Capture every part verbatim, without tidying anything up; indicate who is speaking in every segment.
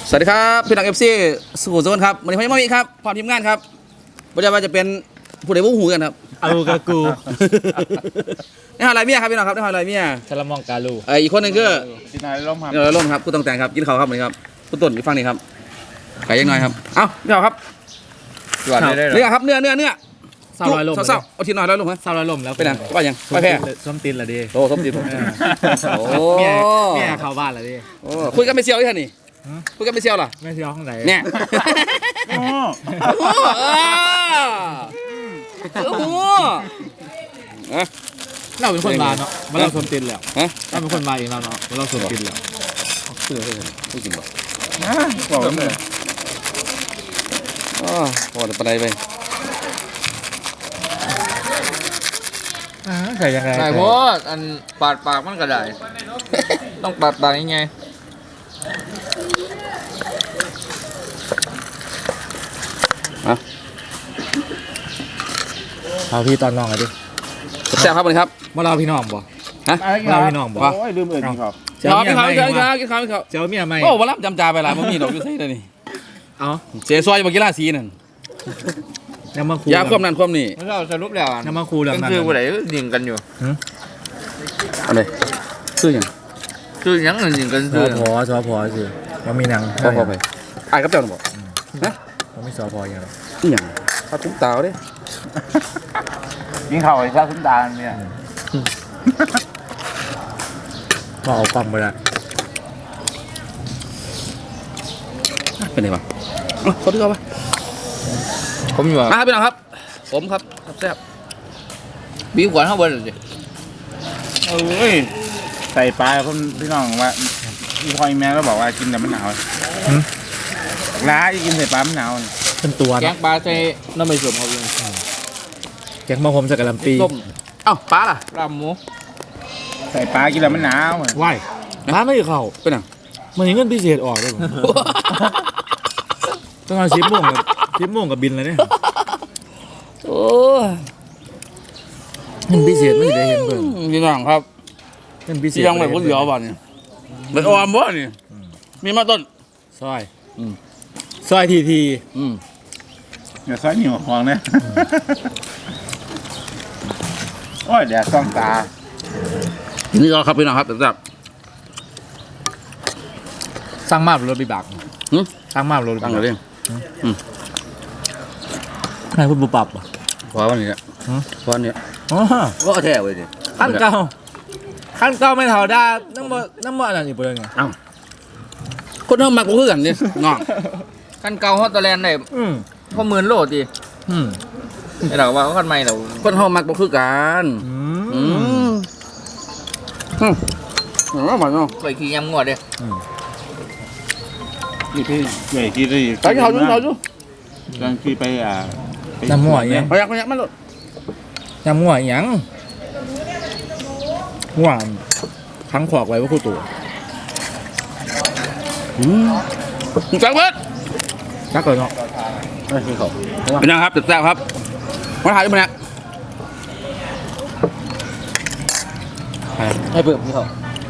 Speaker 1: สวัสดีครับพี่น้องเอฟซีสุขุมโซนครับวันนี้ผมมามีครับพร้อมทีมงานครับไม่ใช่ว่าจะเป็นผู้ใดผู้หูกันครับ
Speaker 2: เอากากู
Speaker 1: นี่หอยลายเมียครับพี่น้องครับนี่หอยลายเมีย
Speaker 2: ชลมองกาลู
Speaker 1: ไออีกคนหนึงคือ
Speaker 3: กินอะไรร่มครับ
Speaker 1: เออร่มครับผู้ต้องแต่งครับกินข้าวครับวันนี้ครับผู้ต้นอีกฝั่งนี้ครับไก่ยังน้อยครับเอ้าพี่น้องครับ
Speaker 3: จวดได้เลยเหรอ
Speaker 1: เนื้อครับเนื้อเนื้อเนื้อ
Speaker 2: สาวลอยลม
Speaker 1: เศร้าๆเอาทีหน่อยร้อยลมครับ
Speaker 2: สาวลอยลมแล้ว
Speaker 1: ไปไหนว่ายังไปแพ้
Speaker 2: ส้มตีนละดิ
Speaker 1: โอ้สมจิตโอ้
Speaker 2: เมียเมียเข้าบ้านละดิ
Speaker 1: โอ้คุยกันไม่เซียวที่ท่านนี่คุยกันไม่เซียวล่ะ
Speaker 2: ไม่ใช่ห้องไหน
Speaker 1: เนี่ย
Speaker 3: โอ้
Speaker 1: โอ้โหเอ้า
Speaker 2: เราเป็นคนมาเนาะมาเราส้มตีนแล้ว
Speaker 1: ฮะ
Speaker 2: เราเป็นคนมาเองเราเนาะมาเราส้มตีนแล้ว
Speaker 1: พูดเลยพูดจริงป่ะ
Speaker 3: บอกแล้วเลย
Speaker 1: อ๋อพอจะไปไป
Speaker 2: ใส่ยังไง
Speaker 4: ใช่เพราะอันปาดปากมันก็ได้ ต้องปาดปากยังไง
Speaker 1: อ่ะ
Speaker 2: เอาพี่ตอนน้องไงดิ
Speaker 1: แซ่บครับวันนี้ครับ
Speaker 2: มาเราพี่น้องบ่
Speaker 1: ฮะ
Speaker 2: เราพี่น้องบ่
Speaker 3: โอ้ยลืมเอ่ยจริงครับ
Speaker 1: กินข้าวกินข้าวกินข้าวกินข้าวกินข้าวกินข้าว
Speaker 2: เจ้าเมียไม่
Speaker 1: โอ้วันรับจำจ่าไปหลายมันมีดอกอยู่ใส่เลยนี่
Speaker 2: เอา
Speaker 1: เสียซอยบากีฬาสีนั่น
Speaker 2: ยังมาคู
Speaker 1: ยาความนั่นความนี่
Speaker 4: ไม่เราสรุปแล้วอ่ะ
Speaker 2: ยังมาคูเรื่อง
Speaker 4: ก็
Speaker 2: นั้น
Speaker 4: คือผู้ใดยิงกันอยู่
Speaker 1: อะไรซื้อยัง
Speaker 4: คือยังนั่นยิงกัน
Speaker 2: ส
Speaker 4: คือ
Speaker 2: อพอสอพอคือมันมีหนัง
Speaker 1: พอพอไปไอ้กับเจ้าหนูบอกนะ
Speaker 2: มันไม่สอพออย่างไร
Speaker 1: นี่ยังข้าวตุ้มตาวดิ
Speaker 3: ยิงเข่าไอ้ชาคุ้มตาเนี่ย
Speaker 2: ก็เอาปั๊มไปละ
Speaker 1: เป็นไงบ้างเขาที่เขาปะ
Speaker 4: ผมอยู่
Speaker 1: มาครับพี่น้องครับผมครับแซ่บ
Speaker 4: บีบขวานข้างบนเลยสิ
Speaker 3: เอ้ยใส่ปลาคนพี่น้องว่าอีพอยแม่ก็บอกว่ากินแต่มันหนาวร้าอีกินใส่ปลามันหนาว
Speaker 2: เป็นตัว
Speaker 4: แก
Speaker 2: นะ
Speaker 4: งปลาใส่น้ำไม่สมครับลุง
Speaker 2: แกงมะฮมใส่กะหล่ำปี
Speaker 4: ต้ม
Speaker 1: เอ้าปลาล่ะ
Speaker 4: ลาบหมู
Speaker 3: ใส่ปลากินแต่มันหนาว
Speaker 2: ว้ายร้านไม่เข้า
Speaker 1: เป็นยัง
Speaker 2: มันยังเงินพิเศษออกด้วยต้องเอาชิปโม่งกับชิปโม่งกับบินเลยเนี่ย
Speaker 1: โอ้
Speaker 2: เงินพิเศษไม่ได้เห็นเบิ่ง
Speaker 1: พี่น้องครับ
Speaker 2: เงินพิเศษ
Speaker 1: ที่ยังไม่พ้นเหลียวบ้านนี่เป็นออมบ่นี่มีมาต้น
Speaker 2: ซอย
Speaker 1: อืม
Speaker 2: ซอยทีที
Speaker 1: อืม
Speaker 3: อย่าซอยหนีหัวคองเนี่ยโอ้ยแดดซ่องตา
Speaker 1: นี่ก็ครับพี่น้องครับแบบ
Speaker 2: สร้างมาบรถบิบัก
Speaker 1: หึ
Speaker 2: สร้างมาบรถ
Speaker 1: ตั้งเลยดิ
Speaker 2: นายพูดบุปรับอ่ะ
Speaker 1: ขอวันนี้แหละขอวันนี้
Speaker 2: อ๋อ
Speaker 1: ก็แท้เว้ยดิ
Speaker 2: ขั้นเก่าขั้นเก่าไม่เท่าได้นั่งบ่นั่งบ่อะไรอีกเปล่าไง
Speaker 1: เอ้าคนเฮามักบ่คือกันนี่น้อง
Speaker 4: กันเก่าฮอตเตอร์แลนด์ได้
Speaker 2: อืม
Speaker 4: พอหมื่นโลดิ
Speaker 2: อืม
Speaker 4: ไอ้เราว่าเขาคันใหม่เรา
Speaker 1: คนเฮามักบ่คือกัน
Speaker 2: อื
Speaker 1: อื
Speaker 2: ม
Speaker 1: มอืมอืมว่ามันเนาะ
Speaker 4: เคยขี่ยำงวดเด้
Speaker 3: ที่พี่ใหญ่ที่ได้
Speaker 1: ไปเขาดูเขาดู
Speaker 3: กางที่ไปอ่า
Speaker 2: น้ำหัวยัง
Speaker 1: พยักพยักมันหลด
Speaker 2: น้ำหัวยังหัวทั้งขวากไว้ว่าคู่ตัว
Speaker 1: อืมจังเบิด
Speaker 2: จักเลยเนาะ
Speaker 1: เป็นยังครับแซ่บครับมาถ่ายด้วยมันนะ
Speaker 4: ให้เปิดพี่เขา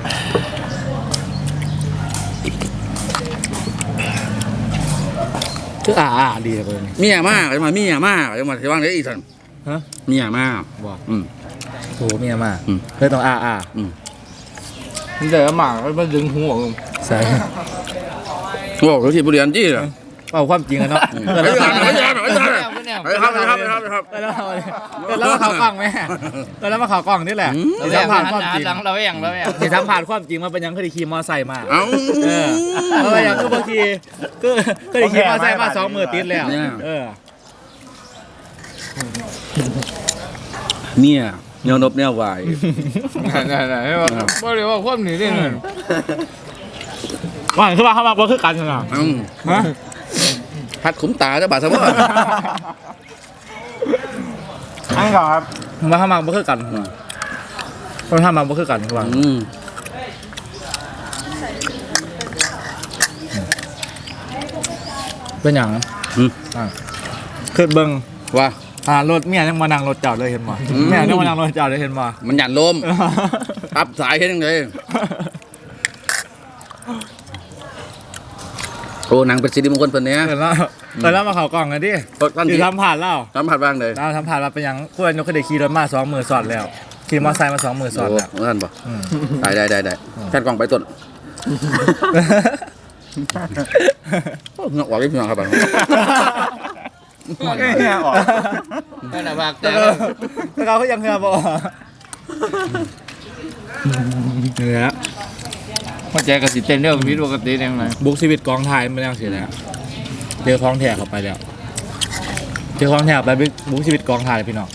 Speaker 2: คืออ่าอ่าดีเลย
Speaker 1: เมียมากจะมาเมียมากจะมาที่ว่างได้อีกสัน
Speaker 2: ฮะ
Speaker 1: เมียมาก
Speaker 2: บอก
Speaker 1: อืม
Speaker 2: โหเมียมา
Speaker 1: อืม
Speaker 2: เลยต้องอ่าอ่า
Speaker 1: อืม
Speaker 4: นี่เลยหมากมันดึงหัวผม
Speaker 2: ใส่
Speaker 1: โอ้เขาที่บุรีรัมย์จี้เหรอ
Speaker 2: เอาความจริงอะเนาะ
Speaker 1: ไป
Speaker 2: เกิด
Speaker 1: ย
Speaker 2: แล้ว
Speaker 1: ไปยไปยไปยไปครับไปครับไปครับไปครับ
Speaker 2: เกิดแล้วเกิดแล้วมาข่าวกล้องไหมเกิดแล้วมาข่าวกล้องนี่แหละ
Speaker 1: อืม
Speaker 2: เราสัมผัสความจริง
Speaker 4: หลังเราอย่างเราอย่าง
Speaker 2: เห็นสัมผัสความจริงมาเป็นยังเคยได้ขี่มอไซค์มา
Speaker 1: เอ้า
Speaker 2: เออเพราะว่าอย่างก็บางทีก็เคยได้ขี่มอไซค์มาสองมือติดแล้วเออ
Speaker 1: เมียเนียวนบเนียววาย
Speaker 4: ไหนๆให้ว่าบ่ได้ว่าความหนีได้เงิน
Speaker 2: ว่าคือว่าเขามาบ่คือกันเหรอ
Speaker 1: อืม
Speaker 2: ฮะ
Speaker 1: พัดขุมตาจะบาดซะบ่
Speaker 3: อันก่อนครับ
Speaker 2: ว่าเขามาบ่คือกันเพราะถ้ามาบ่คือกันว่า
Speaker 1: อืม
Speaker 2: เป็นอย่าง
Speaker 1: อืม
Speaker 2: อ่าคือเบิ่ง
Speaker 1: ว่า
Speaker 2: อ่ารถเมียยังมานั่งรถจอดเลยเห็นบ่
Speaker 1: อืม
Speaker 2: เมียยังมานั่งรถจอดเลยเห็นบ่
Speaker 1: มันหยันลมตับสายเฮ็ดจังไดโอ้หนังเป็นสิริมงคลเพิ่นเนี้ย
Speaker 2: เออแล้วเออแล้วมาเขากล่องกันดิ
Speaker 1: ตอน
Speaker 2: คือ
Speaker 1: ที่
Speaker 2: ทำผ่านแล้ว
Speaker 1: ทำผัดบ้างเลย
Speaker 2: เราทำผ่านมาเป็นยังคู่นยกเคยได้ขี่รถมาสองมือสอดแล้วขี่มอเตอร์ไซค์มาสองมือสอด
Speaker 1: โอ้
Speaker 2: แล้ว
Speaker 1: นั่นบ่
Speaker 2: อืม
Speaker 1: ได้ได้ได้ได้แค่กล่องไปต้นเงาะออกได้พี่น้องครับบัง
Speaker 3: เนี่ยออก
Speaker 4: นั่นน่ะภาค
Speaker 2: แต่
Speaker 4: แต่
Speaker 2: ก็แต่เขาก็ยังเงือบอกเนี่ย
Speaker 4: หัวใจกับสิเต้นเรื่องพิษปกติยังไง
Speaker 2: บุกชีวิตกองไทยไม่ได้เสียแล้วเจอคล้องแถเข้าไปแล้วเจอคล้องแถไปบุกชีวิตกองไทยพี่น้อง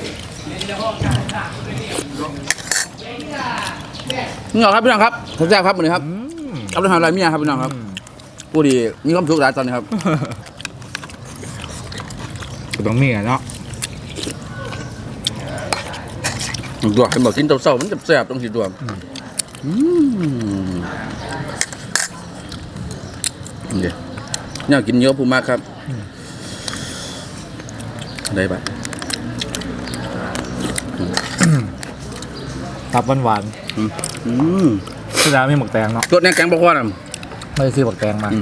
Speaker 1: เงาะครับพี่น้องครับแซ่บๆครับวันนี้ครับเอาไปทำอะไรเมียครับพี่น้องครับผู้ดีมีความสุขหลายตอนนี้ครับ
Speaker 2: ก็ต้องมีอ่ะเนาะ
Speaker 1: ตัวเห็นบอกกินเต้าๆมันจะแซ่บต้องสิตัวอืมเดี๋ยวเนี่ยกินเยอะผู้มากครับได้ปะ
Speaker 2: ตับหวาน
Speaker 1: อืมอืม
Speaker 2: ๆที่ร้านมีหมกแตงเนาะ
Speaker 1: รสแน่แกงปลาควานอ่ะ
Speaker 2: ไม่ได้ซื้อหมกแตงมา
Speaker 1: อืม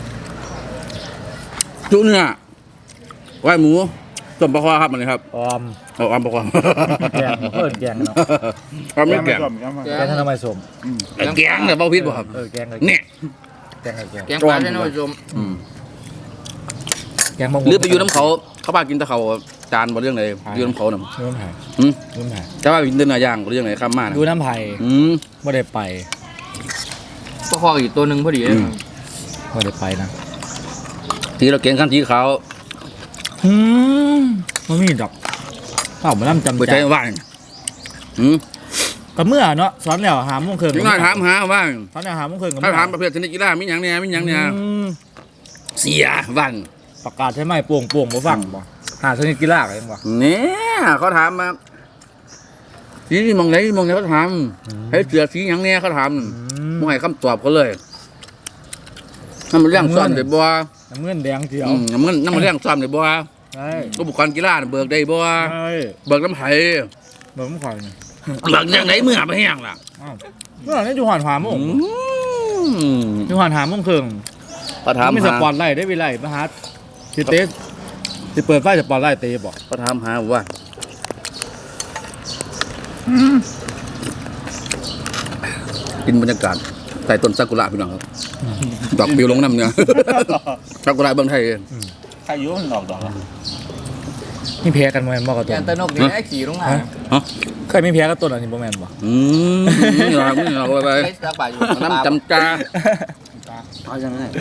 Speaker 1: จุเนื้อไหวหมูต้มปลาควาครับมันเลยครับ
Speaker 2: ออม
Speaker 1: เอาอัมปลาควา
Speaker 2: แกงเพิ่นแกงเนาะ
Speaker 1: ครับไม่แกง
Speaker 3: ส้มแกงมา
Speaker 2: แกงทำไมสม
Speaker 1: แกงเนี่ยเบาพิษบ่ครับ
Speaker 2: เออแกงเลย
Speaker 1: เนี่ย
Speaker 2: แกงเลยแกง
Speaker 4: แกงปลาใช่ไหมผู้ชม
Speaker 1: อืม
Speaker 2: แกงบาง
Speaker 1: หรือไปอยู่น้ำเขาเขาพากินแตะเขาจานบ่เรื่องไหนอยู่น้ำเขาน่ะ
Speaker 2: ดูน้ำไผ่
Speaker 1: อืม
Speaker 2: ดูน้ำไผ่
Speaker 1: แต่ว่ากินเดินหน้าย่างบ่เรื่องไหนข้ามมานะ
Speaker 2: ดูน้ำไผ่
Speaker 1: อืม
Speaker 2: ไม่ได้ไป
Speaker 4: ก็คออีกตัวหนึ่งพอดี
Speaker 1: อืม
Speaker 2: ไม่ได้ไปนะ
Speaker 1: ทีเราเก่งขั้นทีขาว
Speaker 2: อืมมันมีดอกเปล่ามันน้ำจำ
Speaker 1: บ่
Speaker 2: ใจ
Speaker 1: ใจว่างอืม
Speaker 2: ก็เมื่อเนาะสอนแล้วหาโมงครึ่ง
Speaker 1: ยังไงถามหาว่าง
Speaker 2: สอนแล้วหาโมงครึ่งก็
Speaker 1: ถ้าถามประเภทชนิดกีฬามีหยังเนี่ยมีหยังเนี่ย
Speaker 2: อืม
Speaker 1: เสียว่าง
Speaker 2: ประกาศใช่ไหมโป่งโป่งบ่ฟังบ่หาชนิดกีฬาอะไรบ่
Speaker 1: เนี่ยเขาถามมาสีมองไหนมองไหนเขาถามให้เสือสีหยังเนี่ยเขาถามมองให้คำตอบเขาเลยน้ำมันเรื่องซ้อมได้บ่
Speaker 2: น้ำเงินแดงเขียว
Speaker 1: อืมน้ำมันน้ำมันเรื่องซ้อมได้บ่
Speaker 2: ใช่
Speaker 1: อุปกรณ์กีฬาน่ะเบิกได้บ่
Speaker 2: ใช่
Speaker 1: เบิกน้ำไผ่
Speaker 2: เบิ่งมันข่อยนี่
Speaker 1: เบิกอย่างไหนเมื่อไปแห้งล่ะ
Speaker 2: อ้าวเมื่อไหร่อยู่หานหาโมง
Speaker 1: อืม
Speaker 2: อยู่หานหาโมงครึ่ง
Speaker 1: เขาถาม
Speaker 2: มีส
Speaker 1: หา
Speaker 2: ปอร์ตไลท์ได้วิไลมาหาสิเตสสิเปิดไฟสปอร์ตไลท์เตะบ่
Speaker 1: เขาถามหาว่ากินบรรยากาศใต้ต้นซากุระพี่น้องครับดอกปิวลงน้ำเนี่ยซากุระเมืองไทย
Speaker 3: ใครอยุ่มันดอกดอก
Speaker 2: มีแพ้กันบ่แม่นบ่กับ
Speaker 4: แก
Speaker 2: ตัว
Speaker 4: งตะนกนี่ไอ้ขี่ลงมา
Speaker 1: ฮะ
Speaker 2: เคยมีแพ้กับตัวอันนี้บ่แม่นบ่
Speaker 1: อืมนี่เรานี่เราไป
Speaker 4: ไอ้สักบาทอยู่
Speaker 1: น้ำจำจา
Speaker 4: เอาอย่างนั้น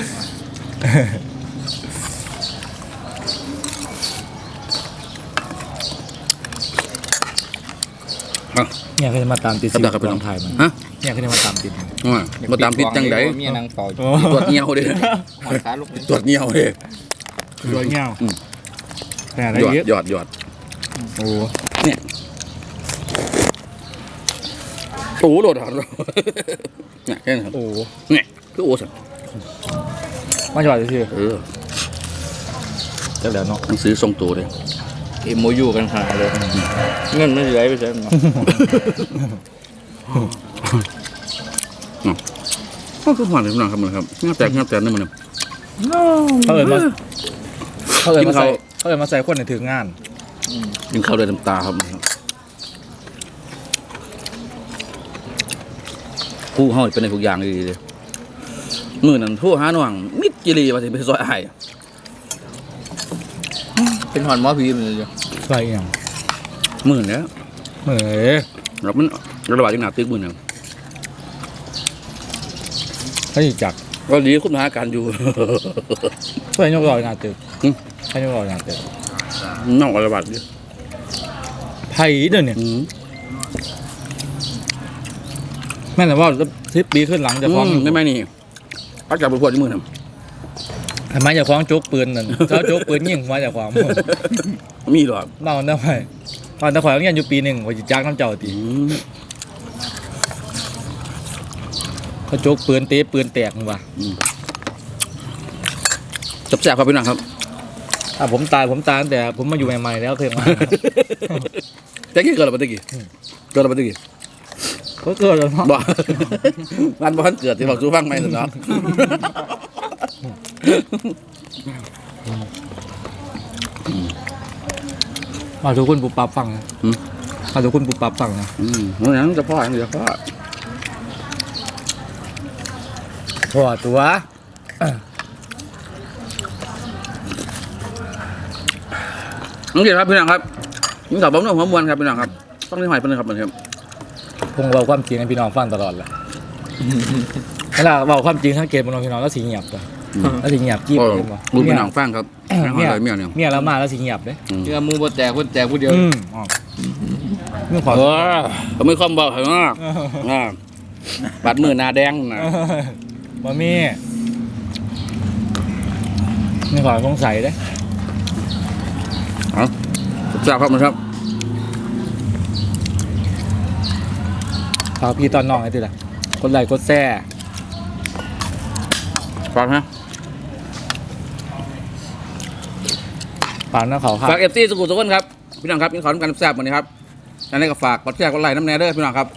Speaker 2: เนี่ยเคยมาตามติด
Speaker 1: ครับ
Speaker 2: สิ
Speaker 1: ได้ครับ
Speaker 2: ก
Speaker 1: พี่
Speaker 2: อ
Speaker 1: น้อง ง
Speaker 2: ไทยมัน
Speaker 1: ฮะ
Speaker 2: เนี่ยเคยมาตามติดมัน
Speaker 1: ว่ามาตามติดจังได
Speaker 4: เมียนางเป่า
Speaker 2: โอ้
Speaker 1: ตรวจเงี้ยวเด้
Speaker 4: หอยขาลูกนี่
Speaker 1: ตรวจเงี้ยวเด้
Speaker 2: ตัวเงี้ยว
Speaker 1: อืม
Speaker 2: แต่อะไร
Speaker 1: หยอด
Speaker 2: เยอะ
Speaker 1: หยอดหยอด
Speaker 2: โอ้
Speaker 1: เนี่ยโอ้โหโดดหันเนี่ยแค่นั้นครับ
Speaker 2: โอ้
Speaker 1: เนี่ยคือโอ้สัน
Speaker 2: มาจอดซื่อ
Speaker 1: เออ
Speaker 2: ๆจักแล้วเนาะ
Speaker 1: หนังสือทรงตัวเลย
Speaker 4: เอ็มโมยูกันขนาดเลยเงินไม่เหลือไปใช่ไหม
Speaker 1: ก็คือหวานเลยพี่น้องครับมันครับงาแตกงาแตกนี่มัน
Speaker 2: เขาเอิ้นมาเขาเอิ้น
Speaker 1: กิน
Speaker 2: มา
Speaker 1: ข้า
Speaker 2: ใส่
Speaker 1: ว
Speaker 2: เขาเอิ้นมาใส่คนในถึงงาน
Speaker 1: กินข้าวด้วยน้ำตาครับผู้เฮาเป็นในทุกอย่างดีเลยมือนั้นโทั่วหาหน่วงมิดจิรีว่าสิไปซอยอ้าย
Speaker 4: เป็นหอนหมอผีมันเลยจ้ะ
Speaker 2: ใส่หยัง
Speaker 1: มือเนี้ย
Speaker 2: เหมือ
Speaker 1: แล้วมันระบาดจังหนาตึกมือเนี่ย
Speaker 2: เขาสิจัก
Speaker 1: ก็ดีคุณหาการอยู่
Speaker 2: เพื่อนยกรอยหน้าตึก
Speaker 1: หึ
Speaker 2: ใครยกรอยหน้าตึก
Speaker 1: น้องระบาดอยู่
Speaker 2: ไผเด้อเนี่ย
Speaker 1: อืม
Speaker 2: แม่นแต่ว่าสิบปีขึ้นหลังจะฟ้อง
Speaker 1: อืมไม่ไม่นี่เขาจับไปพวดที่มือน่ะ
Speaker 2: ทำไมจะฟ้องโจกปืนนั่นเขาโจกปืนยิงมาจากความ
Speaker 1: มีหรอก
Speaker 2: เมาได้ไหมตอนตะข่อยเรียนอยู่ปีหนึ่งว่าจะจ้างน้ำเจ้าตี
Speaker 1: อืม
Speaker 2: เขาโจกปืนเตะปืนแตกมึงว่ะ
Speaker 1: จับแสบครับพี่น้องครับ
Speaker 2: ถ้าผมตายผมตายตั้งแต่ผมมาอยู่ใหม่ๆแล้วเคยมา
Speaker 1: ตะกี้เกิดอะไรตะกี้เกิดอะไรตะกี้
Speaker 2: ก็เกิดแล้วเนาะ
Speaker 1: บ่ งานบ้านเกิดที่บอกสู้ฟังไหมสิเนาะ
Speaker 2: มาทุกคนปุบปับฟังนะ
Speaker 1: อืม
Speaker 2: มาทุกคนปุบปับฟังนะ
Speaker 1: อืมนั่นจะพ่ออย่างเดียวพ่อ
Speaker 2: พอตัว
Speaker 1: น้องเกียรติครับพี่น้องครับนี่สาวบ้องเรื่องหัวมวลครับพี่น้องครับต้องนี่หอยเป็นครับเหมือนครับ
Speaker 2: พงเราความจริงให้พี่น้องฟังตลอดแหละเวลาบอกความจริงทั้งเกมบนพี่น้องแล้วสีเงียบตัวแล้วสีเงียบจิ้ม
Speaker 1: โอ้
Speaker 2: เห็นบ่
Speaker 1: ดูพี่น้องฟังครับหอยเมียเนี่ย
Speaker 2: เมียแล้วมาแล้วสีเงียบเด้
Speaker 4: เชื่อมูบ่แจกคนแจกผู้เดียว
Speaker 2: อืมอ๋อนี่ขอ
Speaker 1: เออเขาไม่คอมบอกเหรออ่าบัดมือหน้าแดงนะ
Speaker 2: บ่มีนี่ขอสงสัยเด้
Speaker 1: เอาทราบครับมันครับ
Speaker 2: ฝากพี่ตอนน้องไอ้ติล่ะกดไลค์กดแชร์
Speaker 1: ฟังฮะ
Speaker 2: ฝากน้าเขาครับ
Speaker 1: ฝากเอฟซีสกุลสกุลครับพี่น้องครับยินขอทำการทราบวันนี้ครับอันนี้ก็ฝากกดแชร์กดไลค์น้ำแน่เด้อพี่น้องครับ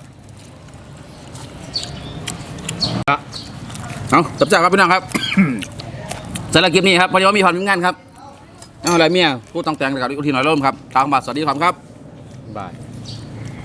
Speaker 1: เอาจับจับครับพี่น้องครับ สำหรับคลิปนี้ครับพอดีว่ามีความมีงานครับเอาอะไรเมียผู้ต้องแต่งกับอีกทีหน่อยร่มครับทางบัตรสวัสดีครับ
Speaker 2: บาย